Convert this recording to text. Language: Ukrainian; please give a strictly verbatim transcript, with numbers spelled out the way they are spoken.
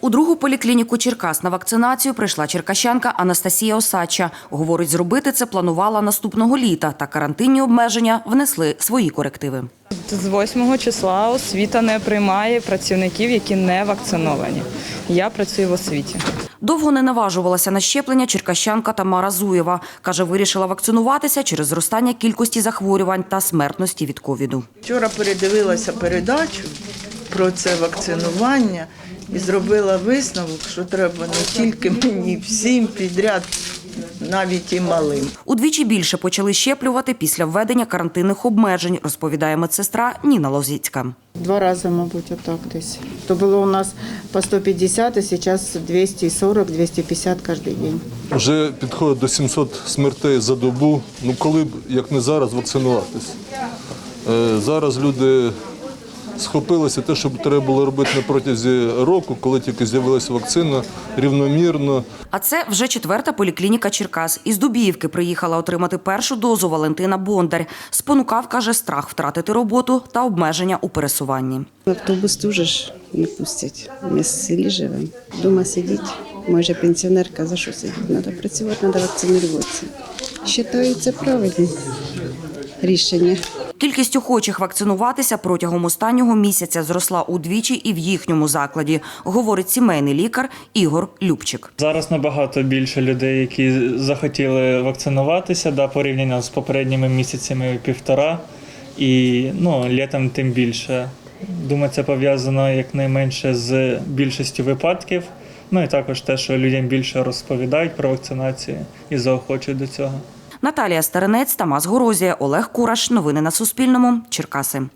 У другу поліклініку Черкас на вакцинацію прийшла черкащанка Анастасія Осадча. Говорить, зробити це планувала наступного літа, та карантинні обмеження внесли свої корективи. З восьмого числа освіта не приймає працівників, які не вакциновані. Я працюю в освіті. Довго не наважувалася на щеплення черкащанка Тамара Зуєва. Каже, вирішила вакцинуватися через зростання кількості захворювань та смертності від ковіду. Вчора передивилася передачу про це вакцинування і зробила висновок, що треба не тільки мені, всім підряд, навіть і малим. Удвічі більше почали щеплювати після введення карантинних обмежень, розповідає медсестра Ніна Лозіцька. Два рази, мабуть, отак десь. То було у нас по сто п'ятдесят, а зараз двісті сорок - двісті п'ятдесят кожен день. Вже підходить до сімсот смертей за добу. Ну коли б, як не зараз, вакцинуватись? Е, зараз люди схопилися те, що треба було робити на протязі року, коли тільки з'явилася вакцина, рівномірно. А це вже четверта поліклініка Черкас. Із Дубіївки приїхала отримати першу дозу Валентина Бондар. Спонукав, каже, страх втратити роботу та обмеження у пересуванні. В автобус теж ж не пустять. Ми в селі живемо. Дома сидіть. Може, пенсіонерка, за що сидіти? Треба працювати, треба вакцинуватися. Вважаю, це правильне рішення. Кількість охочих вакцинуватися протягом останнього місяця зросла удвічі і в їхньому закладі, говорить сімейний лікар Ігор Любчик. Зараз набагато більше людей, які захотіли вакцинуватися, да, порівняно з попередніми місяцями півтора, і ну, літом тим більше. Думаю, це пов'язано якнайменше з більшістю випадків, ну і також те, що людям більше розповідають про вакцинацію і заохочують до цього. Наталія Старинець, Тамас Горозія, Олег Кураш. Новини на Суспільному. Черкаси.